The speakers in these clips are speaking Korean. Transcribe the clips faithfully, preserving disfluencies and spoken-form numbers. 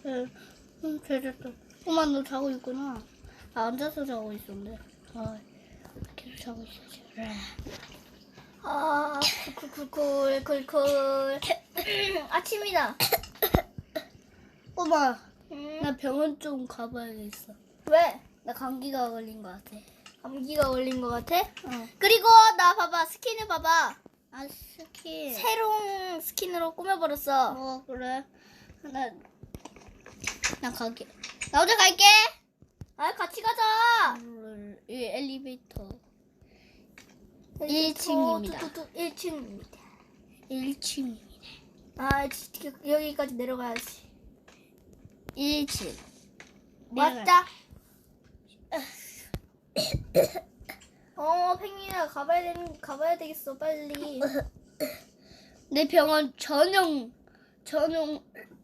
응, 응, 잘 잤다. 엄마 너 자고 있구나. 나 앉아서 자고 있었는데. 아, 계속 자고 있어야지. 아, 쿨쿨쿨 쿨쿨. 아침이다. 엄마, 응? 나 병원 좀 가봐야겠어. 왜? 나 감기가 걸린 것 같아. 감기가 걸린 것 같아? 어. 그리고 나 봐봐, 스킨을 봐봐. 아, 스키. 새로운 스킨으로 꾸며버렸어. 어, 그래. 나, 나 가게. 나 혼자 갈게. 아, 같이 가자. 이 엘리베이터. 일 층입니다. 일 층입니다. 일 층입니다. 아, 진짜 여기까지 내려가야지. 일 층. 왔다. 어, 팽이야, 가봐야 되는, 가봐야 되겠어, 빨리. 내 병원 전용, 전용,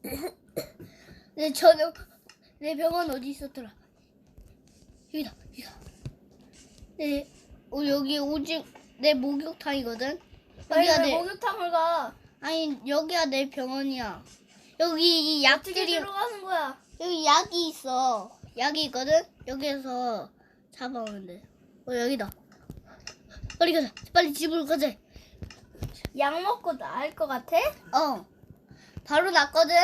내 전용, 내 병원 어디 있었더라? 여기다, 여기다. 내, 어, 여기 오직 내 목욕탕이거든? 아니, 여기가 왜 내, 목욕탕을 가? 아니, 여기가 내 병원이야. 여기 이 어떻게 약들이, 들어가는 거야? 여기 약이 있어. 약이 있거든? 여기에서 잡아오면 돼. 어, 여기다. 빨리 가자. 빨리 집으로 가자. 약 먹고 나을 것 같아? 어. 바로 났거든?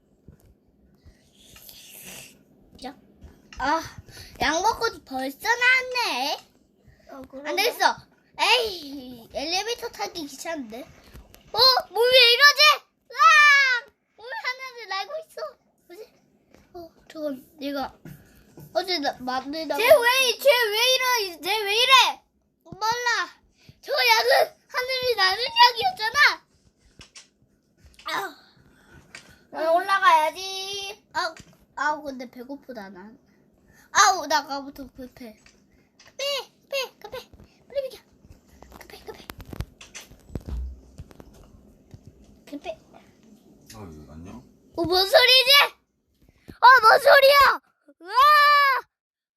자. 아, 약 먹고 벌써 나왔네. 어, 안 되겠어. 에이, 엘리베이터 타기 귀찮은데. 어, 몸이 왜 이러지? 으악! 몸이 하나를 날고 있어. 뭐지? 어, 저건 내가 어제 나, 만들다가. 쟤왜 쟤 왜 이러? 쟤 왜 이래? 몰라. 저 약은 하늘이 나는 약이었잖아. 아우. 난 올라가야지. 아우, 아우, 근데 배고프다, 난. 아우, 나 아까부터 급해. 급해, 급해, 급해. 빨리 비켜. 급해, 급해. 급해. 어, 안녕? 어, 뭔 소리지? 어, 뭔 소리야? 으아!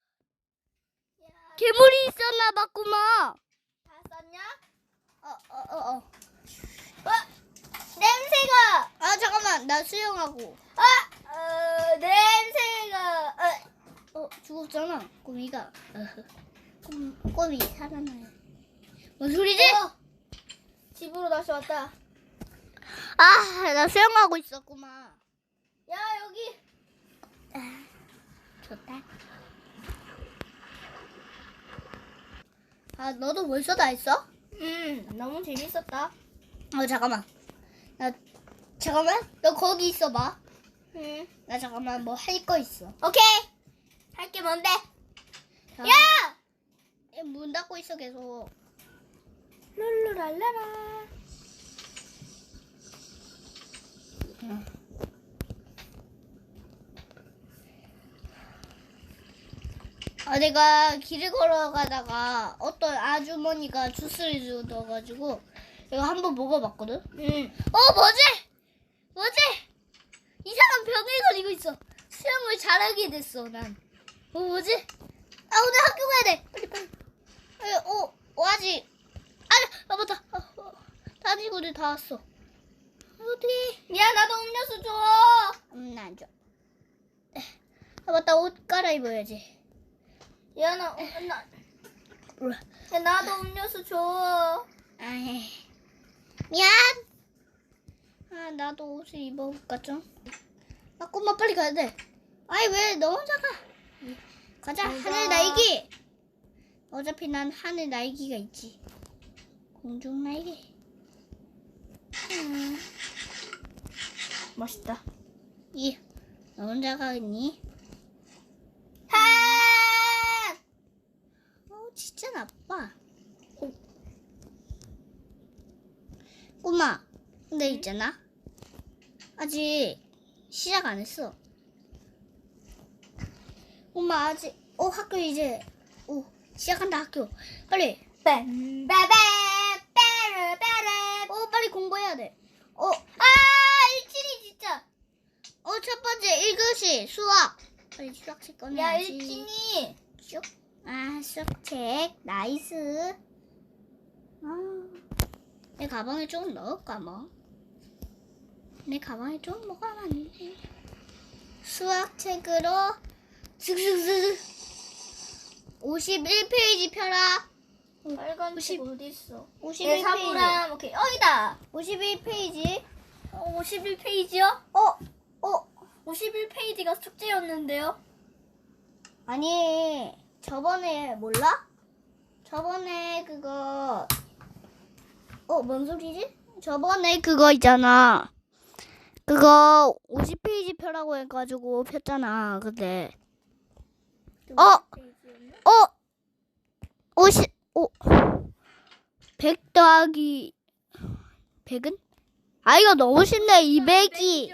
괴물이 있었나 봤구만. 다 썼냐? 어, 어, 어, 어. 어? 냄새가. 아, 잠깐만. 나 수영하고. 아, 어, 냄새가. 어. 어, 죽었잖아. 꼬미가. 꼬미, 꼬미 살아나요. 뭔 소리지? 어. 집으로 다시 왔다. 아, 나 수영하고 있었구만. 야, 여기. 아, 좋다. 아, 너도 벌써 다 했어? 음, 너무 재밌었다. 어, 잠깐만. 나, 잠깐만. 너 거기 있어봐. 음. 나 잠깐만 뭐 할 거 있어. 오케이. 할 게 뭔데? 자, 야! 얘문 닫고 있어, 계속. 룰루랄라라. 아, 내가 길을 걸어가다가 어떤 아주머니가 주스를 주어가지고 이거 한번 먹어봤거든? 음. 어, 뭐지? 뭐지? 이상한 병에 걸리고 있어. 수영을 잘하게 됐어, 난. 어, 뭐지? 아, 오늘 학교 가야 돼. 빨리, 빨리. 아, 어, 어, 아직. 아, 아, 맞다. 아, 어, 다니고들 다 왔어. 어떡해. 야, 나도 음료수 줘. 음, 나 안 줘. 아, 맞다. 옷 갈아입어야지. 야, 나, 어, 나, 우와. 야, 나도 음료수 줘. 아이, 미안. 아, 나도 옷을 입어볼까 좀. 아, 꼬마 빨리 가야 돼. 아이, 왜 너 혼자 가? 가자. 잘 하늘 가. 날기. 어차피 난 하늘 날기가 있지. 공중 날개. 음. 멋있다. 이, 너 혼자 가겠니? 하! 어, 진짜 나빠. 어. 꼬마, 근데 있잖아. 아직 시작 안 했어. 엄마 아직 어 학교 이제 오 시작한다 학교. 빨리. 빰빠밤 빠르빠르. 어 빨리 공부해야 돼. 어, 아, 일진이 진짜. 어 첫 번째 일 교시 수학. 빨리 수학책 야, 꺼내야지. 일진이. 쭉. 아 수학책 나이스. 아, 내 가방에 좀 넣을까 뭐. 내 가방에 좀 뭐가 많네. 수학책으로 슥슥슥 오십일 페이지 펴라. 빨간 오십- 책 어디 있어? 오십일 네, 사부랑 오케이. 어이다. 오십일 페이지. 어, 오십일 페이지요? 어, 어. 오십일 페이지가 숙제였는데요. 아니, 저번에 몰라? 저번에 그거 어, 뭔 소리지? 저번에 그거 있잖아. 그거 오십 페이지 펴라고 해가지고 폈잖아. 근데 어, 어, 오십, 오, 백 더하기 백은? 아, 이거 너무 쉽네. 이백이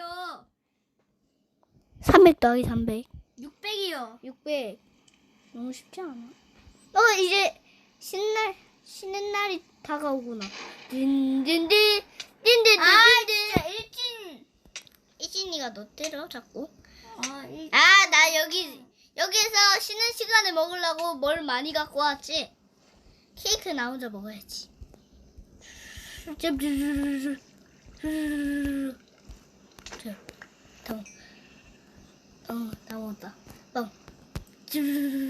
삼백 더하기 삼백. 육백이요. 육백. 너무 쉽지 않아? 어, 이제 신날 쉬는 날이 다가오구나. 딘딘딘 딘딘딘. 아, 진짜 일진. 이진이가 너 때려 자꾸. 아, 일. 아, 나 여기 여기에서 쉬는 시간에 먹으려고 뭘 많이 갖고 왔지. 케이크 나 혼자 먹어야지. 다, 어, 다 먹었다. 어.